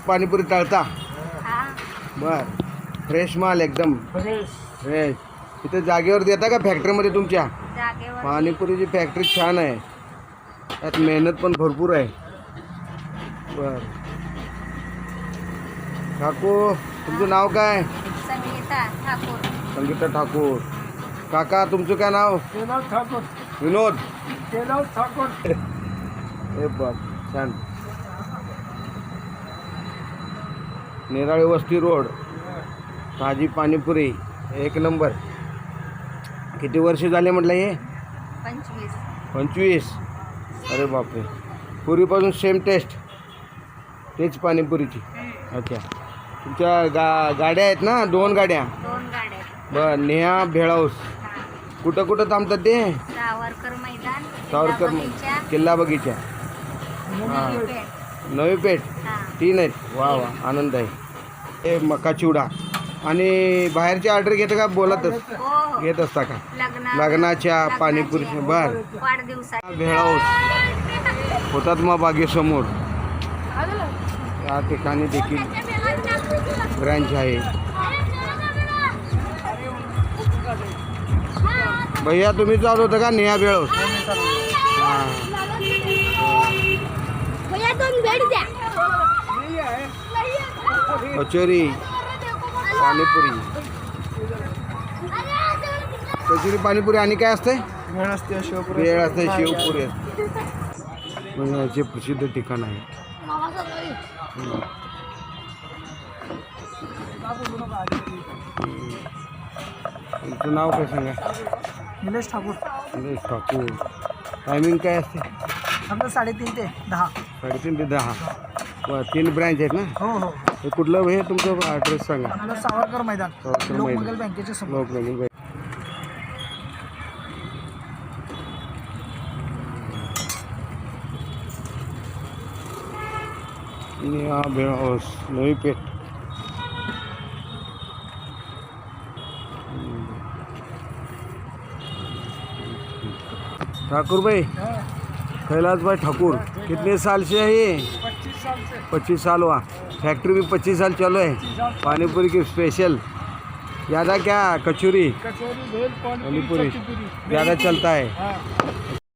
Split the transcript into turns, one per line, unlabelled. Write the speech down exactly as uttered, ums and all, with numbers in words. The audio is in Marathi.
पाणीपुरी तळता?
हा
बर. फ्रेश माल एकदम
फ्रेश
फ्रेश. इथे जागेवर देता का फॅक्टरीमध्ये तुमच्या?
जागेवर
पाणीपुरीची फॅक्टरी छान आहे, त्यात मेहनत पण भरपूर आहे. बर. काकू तुमचं नाव काय?
संगीता ठाकूर.
संगीता ठाकूर. काका तुमचं काय नाव?
केदार ठाकूर.
विनोद.
केदार ठाकूर.
हे बघ छान. नेराळे वस्ती रोड, ताजी पाणीपुरी एक नंबर. किती वर्ष झाले म्हटलं हे?
पंचवीस.
पंचवीस. अरे बापरे. पूर्वीपासून सेम टेस्ट, तेच पाणीपुरीची. अच्छा. तुमच्या गा गाड्या आहेत ना? दोन गाड्या.
दोन गाड्या.
बर. नेहा भेळ हाऊस. कुठं कुठं थांबतात ते?
सावरकर मैदान,
सावरकर
बगीचा,
किल्ला बगीचा,
नवी पेठ.
नवी पेठ.
हा.
तीन आहेत. वा वा आनंद आहे. हे मका चिवडा. आणि बाहेरची ऑर्डर घेता का? बोलतच
हो
घेत असता का?
लग्न
लग्नाच्या पाणीपुरी. बर.
वाढदिवसा
भेळ हाऊस हुतात्मा बागेसमोर या ठिकाणी देखील ब्रँच आहे. भैया तुम्ही चालू होतं का नेहा भेळ हाऊस? हां. कचोरी पाणीपुरी. कचोरी पाणीपुरी आणि काय असते?
वेळ असते शिवपुरी.
भेळ असते, शेवपुरी असते. म्हणजे याचे प्रसिद्ध ठिकाण आहे. हम्म. तुमचं नाव काय सांगा?
निलेश ठाकूर.
निलेश ठाकूर. टायमिंग काय असते?
आमचं साडेतीन ते दहा.
साडेतीन ते दहा. वा, तीन ब्रँच आहेत ना?
हो हो.
हे कुठलं हे तुमचं ॲड्रेस सांगा.
आपलं सावरकर मैदान,
सावरकर मैदान.
लोकमंगल बँकेच्या समोर.
लोकमंगल बँक. नेहा भेळ हाऊस, नवी पेठ. ठाकुर भाई, कैलाश भाई ठाकुर, कितने साल से है ये?
पच्चीस साल से.
पच्चीस साल हुआ. फैक्ट्री भी पच्चीस साल चलो है. पानीपुरी की स्पेशल. ज़्यादा क्या कचौरी
कचौरी भेल
पानीपुरी
पानीपुरी
ज़्यादा चलता है.
हाँ.